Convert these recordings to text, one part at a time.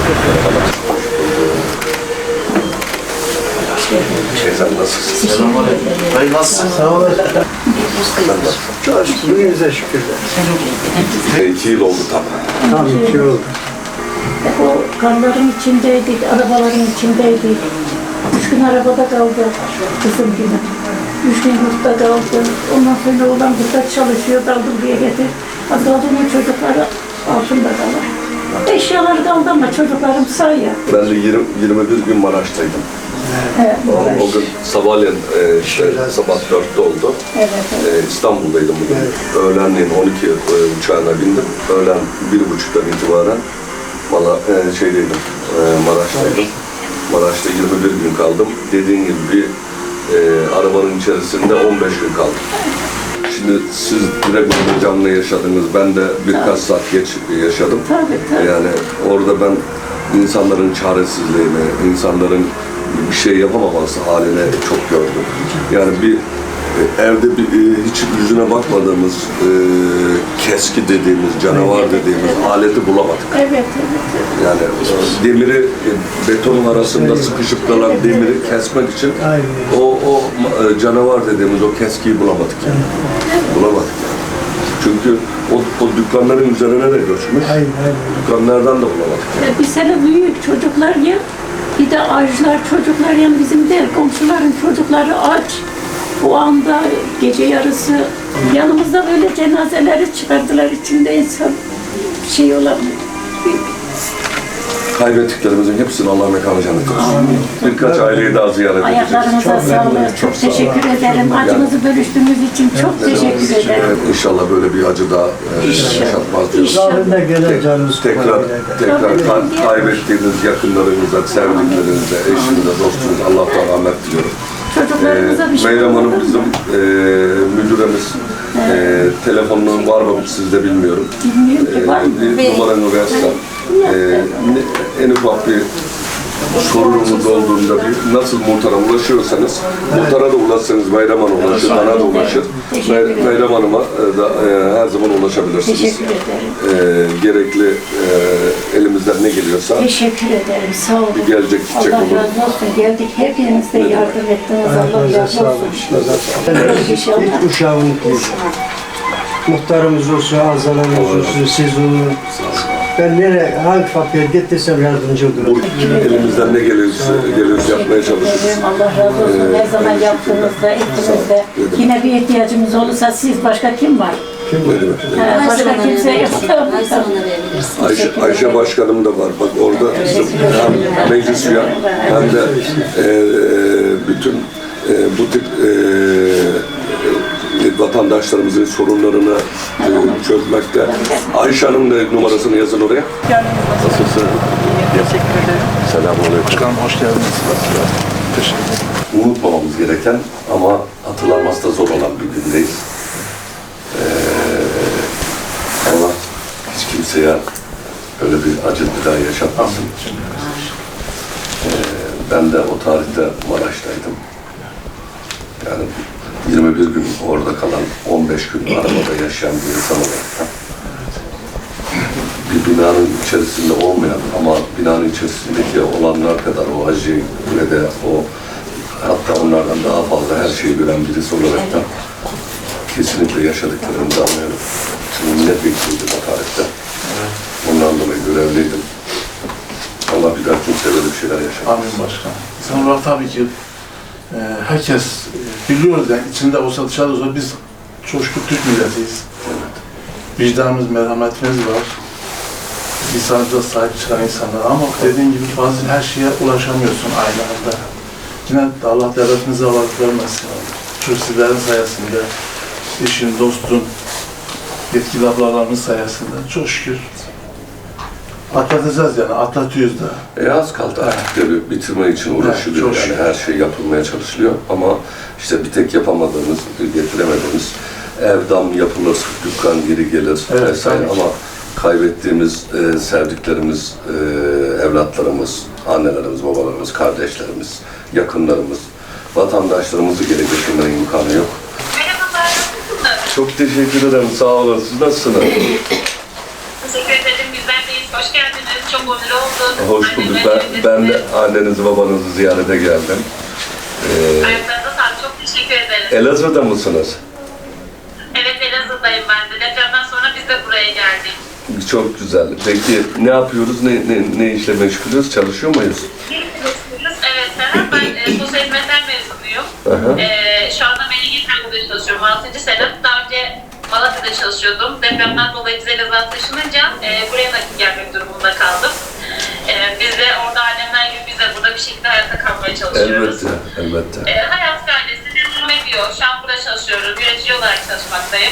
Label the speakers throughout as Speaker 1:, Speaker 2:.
Speaker 1: Sen nasılsın?
Speaker 2: Selamünaleyküm. Dayı nasılsın?
Speaker 3: Sağ olasın. Çok şükürler. Şükürler.
Speaker 1: 2 yıl oldu tam.
Speaker 3: Tam 2 yıl oldu.
Speaker 4: O karların içindeydik, arabaların içindeydik. 3 gün arabada kaldı kızım gibi. 3 gün yurtta kaldı. Ondan sonra oğlan burada çalışıyor, daldı buraya getir. Az kaldı onun çocukları altında kalır. Eşyaları kaldı ama çocuklarım sağ ya.
Speaker 1: Ben de 21 gün Maraş'taydım.
Speaker 4: Evet,
Speaker 1: O gün sabahleyin sabah 4'te oldu.
Speaker 4: evet.
Speaker 1: İstanbul'daydım bugün. Öğlenleyin 12 uçağına bindim. Öğlen 1.30'dan itibaren Maraş'taydım. Maraş'ta 21 gün kaldım. Dediğin gibi bir arabanın içerisinde 15 gün kaldım. Şimdi siz direkt orada canlı yaşadınız. Ben de birkaç saat geç yaşadım.
Speaker 4: Tabii.
Speaker 1: Yani orada ben insanların çaresizliğini, insanların bir şey yapamaması haline çok gördüm. Yani bir evde hiç yüzüne bakmadığımız, keski dediğimiz, canavar dediğimiz aleti bulamadık.
Speaker 4: Evet.
Speaker 1: Yani demiri, betonun arasında sıkışıp kalan demiri kesmek için o canavar dediğimiz o keskiyi bulamadık yani. Bulamadık yani. Çünkü o dükkanların üzerine de göçmüş. Dükkanlardan da bulamadık yani.
Speaker 4: Bir sene büyük çocuklar ya, bir de ağaçlar çocuklar yani bizim de komşuların çocukları aç. O anda gece yarısı yanımızda böyle cenazeleri çıkardılar, içinde insan şey olamıyor.
Speaker 1: Kaybettiklerimizin hepsini Allah mekanı cennet olsun. Birkaç aileyi daha ziyaret edeceğiz.
Speaker 4: Ayaklarınıza sağlık. Çok teşekkür ederim. Acınızı bölüştüğünüz için çok teşekkür ederim.
Speaker 1: İnşallah böyle bir acı daha yaşatmaz diyoruz.
Speaker 3: Rahmetine gelen canımız
Speaker 1: Tekrar kaybettiğiniz yakınlarınıza, sevdiklerinize, eşinize, dostunuza Allah'tan rahmet diliyorum.
Speaker 4: Çocuklarımıza bir şey
Speaker 1: Meyrem Hanım
Speaker 4: olmadı.
Speaker 1: bizim müdüremiz. Telefonun var mı sizde bilmiyorum.
Speaker 4: Bilmiyorum ki var mı?
Speaker 1: Bir numaranı versen. En ufak bir sorunumuz olduğunda nasıl muhtara ulaşıyorsanız, muhtara da ulaşsanız Meyrem Hanım'a ulaşır, bana da ulaşır. Meyrem Hanım'a da her zaman ulaşabilirsiniz.
Speaker 4: Teşekkür ederim.
Speaker 1: Gerekli elimizden ne geliyorsa
Speaker 4: Teşekkür ederim. Sağ olun.
Speaker 1: gelecek gidecek
Speaker 4: Allah
Speaker 1: olur.
Speaker 4: razı olsun. Geldik. Hepiniz de yardım ettiniz. Allah razı olsun. İnşallah.
Speaker 3: İlk uşağımız muhtarımız olsun, azalımız olsun, siz olun. Ben hangi fakir gittiysem yardımcı olurum.
Speaker 1: Elimizden ne geliyorsa yapmaya çalışırız.
Speaker 4: Allah razı olsun. Her zaman yaptığınızda, ettiğinizde. Yine bir ihtiyacımız olursa siz, başka kim var?
Speaker 1: Ne demek?
Speaker 4: Başka kimse yok.
Speaker 2: Her zaman arayabilirsin.
Speaker 1: Ayşe Başkanım da var. Bak orada bizim hem meclis üye hem de bütün bu tip vatandaşlarımızın sorunlarını çözmekte. Ayşe Hanım da numarasını yazın oraya. Nasılsın?
Speaker 5: Teşekkür ederim.
Speaker 1: Selamünaleyküm.
Speaker 5: Başkanım hoş geldiniz. Teşekkür ederim.
Speaker 1: Unutmamamız gereken ama hatırlanması da zor olan bir gündeyiz. Allah hiç kimseye öyle bir acı bir daha yaşatmasın. Ben de o tarihte Maraş'taydım. Yani 21 gün orada kalan, 15 gün arabada yaşayan bir insan olarak bir binanın içerisinde olmayan ama binanın içerisindeki olanlar kadar o acıyı ve de o hatta onlardan daha fazla her şeyi gören birisi olarak da kesinlikle yaşadıklarımızı anlıyorum. Çünkü milletvekiliydim o tarihte. Ondan dolayı görevliydim. Allah bir daha kimse böyle bir şeyler yaşamaz.
Speaker 5: Amin başkanım. İnsan olarak tabii ki herkes biliyoruz yani içinde olsa dışarıda olsa biz coşku Türk milletiyiz. Vicdanımız, merhametimiz var. İnsanımıza sahip çıkan insanlar ama dediğin gibi bazen her şeye ulaşamıyorsun aynı anda. Yine Allah devletimize varlık vermesin. Çünkü sizlerin sayesinde, eşin, dostun, yetkili ablalarımız sayesinde çok şükür atlatacağız yani, atlatıyoruz da.
Speaker 1: Az kaldı artık tabii bitirme için uğraşılıyor
Speaker 5: Evet,
Speaker 1: yani her şey yapılmaya çalışılıyor ama işte bir tek yapamadığımız, getiremediğimiz evdam yapılır, dükkan geri gelir
Speaker 5: Evet,
Speaker 1: vesaire
Speaker 5: tabii.
Speaker 1: ama kaybettiğimiz sevdiklerimiz, evlatlarımız, annelerimiz, babalarımız, kardeşlerimiz, yakınlarımız, vatandaşlarımızı geri getirmenin imkanı yok.
Speaker 6: Merhabalar, nasılsınız?
Speaker 1: Çok teşekkür ederim, sağ olun. Siz nasılsınız?
Speaker 6: Teşekkür ederim, bizler deyiz. Hoş geldiniz. Çok onur olduk.
Speaker 1: Hoş bulduk. Ben de annenizi babanızı ziyarete geldim.
Speaker 6: Ayaklarınıza sağlık. Çok teşekkür ederiz.
Speaker 1: Elazığ'da mısınız?
Speaker 6: Evet, Elazığ'dayım ben de. Depremden sonra biz de buraya geldik.
Speaker 1: Çok güzel. Peki ne yapıyoruz? Ne işle meşgulüz? Çalışıyor muyuz?
Speaker 6: Evet, Serhat. Ben sosyal hizmetler mezunuyum. Şu anda Melih'in çalışıyorum. 6. sene. Daha önce Malatya'da çalışıyordum. Depremden dolayı biz Elazığ'a taşınınca buraya nakit gelmek durumunda kaldım. Biz de orada annemler gibi biz de burada bir şekilde hayatta kalmaya çalışıyoruz.
Speaker 1: Elbette.
Speaker 6: Hayat gayresi devam ediyor. Şu an burada çalışıyoruz. Yönetici olarak çalışmaktayım.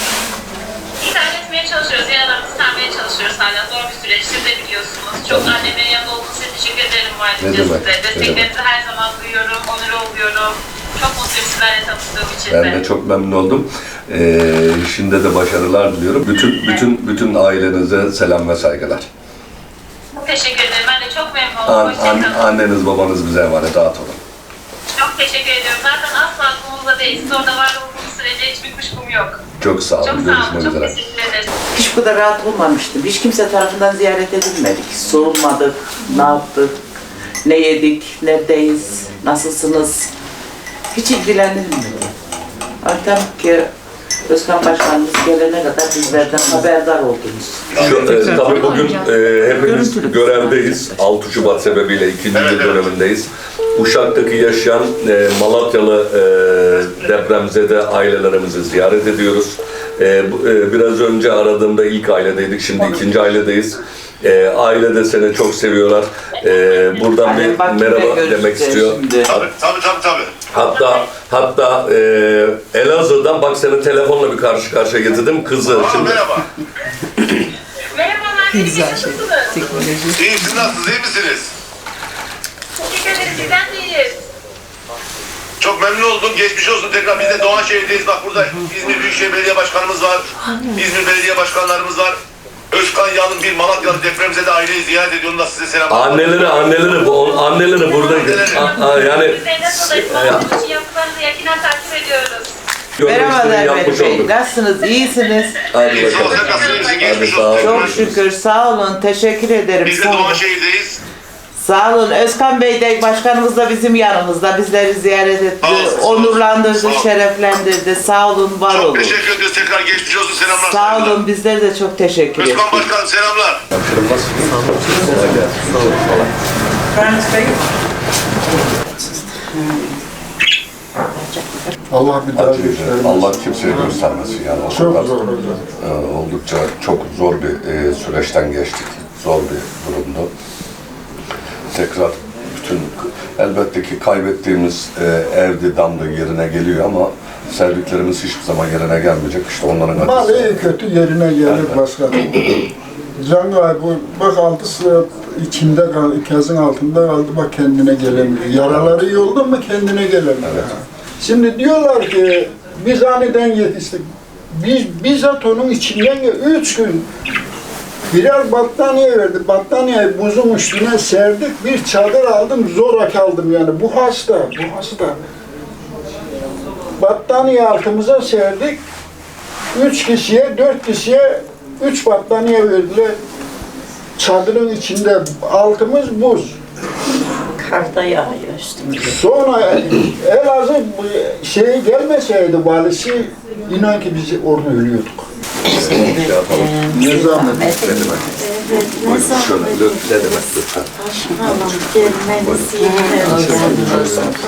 Speaker 6: İdare etmeye çalışıyoruz. Yaralarımızı sarmaya çalışıyoruz hala. Zor bir süreç. Siz de biliyorsunuz. Çok annemin yanında olduğunuz için teşekkür ederim ayrıca size. Desteklerinizi her zaman duyuyorum. Onur oluyorum. Çok mutluyum sizlerle tanıştığım için de.
Speaker 1: Ben de çok memnun oldum. Şimdi de başarılar diliyorum. Bütün ailenize selam ve saygılar.
Speaker 6: Teşekkür ederim. Ben de çok memnun oldum. Hoşçakalın.
Speaker 1: Anneniz babanız bize emanet, rahat olun.
Speaker 6: Çok teşekkür ediyorum. Zaten asla aklımızda değil. Siz orada var olduğunuz sürece hiçbir kuşkum yok.
Speaker 1: Çok sağ olun.
Speaker 6: Çok sağ olun.
Speaker 1: Görüşmek
Speaker 6: Çok
Speaker 1: üzere.
Speaker 6: teşekkür ederiz.
Speaker 7: Hiç bu kadar rahat olmamıştım. Hiç kimse tarafından ziyaret edilmedik. Sorulmadık, ne yaptık, ne yedik, neredeyiz, nasılsınız? Hiç ilgilenilmedi. Artık ki Özkan Başkanımız gelene kadar bizlerden haberdar oldunuz.
Speaker 1: Tabii bugün hepimiz görevdeyiz. 6 Şubat sebebiyle 2. dönemindeyiz. Uşak'taki yaşayan Malatyalı depremzede ailelerimizi ziyaret ediyoruz. Biraz önce aradığımda ilk ailedeydik, şimdi ikinci ailedeyiz. Aile de seni çok seviyorlar. Buradan bir merhaba demek istiyor.
Speaker 8: Tabii.
Speaker 1: Hatta Elazığ'dan bak seni telefonla bir karşı karşıya getirdim kızı. Şimdi
Speaker 8: Merhaba.
Speaker 6: Merhabalar. Güzel şey.
Speaker 8: İyi, siz nasılsınız? İyi misiniz?
Speaker 6: Teşekkür ederiz. Sizden de iyiyiz.
Speaker 8: Çok memnun oldum. Geçmiş olsun tekrar. Biz de Doğanşehir'deyiz. Bak burada İzmir Büyükşehir Belediye Başkanımız var. İzmir Belediye Başkanlarımız var. Özkan Yalın bir Malatyalı depremzede aileyi ziyaret ediyor. Ondan size selamlar.
Speaker 1: Anneleri burada. Yani
Speaker 6: Biz Elazığ'dayız. Malatya için yaptıklarınızı yakinen takip ediyoruz.
Speaker 7: Merhabalar
Speaker 1: yapmış
Speaker 7: Bey.
Speaker 1: olduk.
Speaker 7: Nasılsınız? İyisiniz?
Speaker 1: Hadi
Speaker 8: İyi, sağ olun.
Speaker 1: bakalım.
Speaker 8: Sen nasılsınız?
Speaker 1: Hadi
Speaker 8: Geçmiş
Speaker 1: sağ
Speaker 8: olsun.
Speaker 1: olun.
Speaker 7: Çok şükür. Sağ olun. Teşekkür ederim.
Speaker 8: Biz de
Speaker 7: Sağ olun.
Speaker 8: Doğanşehir'deyiz.
Speaker 7: Sağ olun. Özkan Bey de başkanımız da bizim yanımızda. Bizleri ziyaret etti.
Speaker 8: Sağ olun, sağ olun.
Speaker 7: Onurlandırdı,
Speaker 8: Sağ olun.
Speaker 7: şereflendirdi. Sağ olun, var
Speaker 8: Çok
Speaker 7: olun.
Speaker 8: teşekkür ediyoruz. Tekrar geçmiş olsun. Selamlar.
Speaker 7: Sağ
Speaker 8: saygılar.
Speaker 7: olun. Bizler de çok teşekkür ederiz.
Speaker 8: Özkan Başkanım selamlar.
Speaker 9: Allah bir daha göstermesin.
Speaker 1: Allah kimseye göstermesin yani. O
Speaker 9: Çok
Speaker 1: kadar,
Speaker 9: zor hocam.
Speaker 1: oldukça çok zor bir süreçten geçtik. Zor bir durumdu. Tekrar elbette ki kaybettiğimiz evdi, damdı yerine geliyor ama sevdiklerimiz hiçbir zaman yerine gelmeyecek. İşte onların
Speaker 9: Mal
Speaker 1: acısı.
Speaker 9: iyi kötü yerine gelir başkanım. Can kaybı, bak 6 saat içinde kaldı, ikazın altında kaldı, bak kendine gelemiyor. Yaraları iyi oldu mu kendine gelemiyor.
Speaker 1: Evet.
Speaker 9: Şimdi diyorlar ki biz aniden yetiştik. Biz bizzat onun içinden 3 gün birer battaniye verdi. Battaniyeyi buzun üstüne serdik. Bir çadır aldım, zoraki aldım yani. Bu hasta. Battaniye altımıza serdik. 3 kişiye, 4 kişiye 3 battaniye verdiler. Çadırın içinde altımız buz.
Speaker 2: Karda yağıyor üstümüze.
Speaker 9: Sonra Elazığ gelmeseydi valisi inan ki biz orada ölüyorduk. Ne zahmet.
Speaker 1: Ne demek? Buyurun şöyle. Ne demek lütfen?
Speaker 2: Başkanım gelmenizi yeter.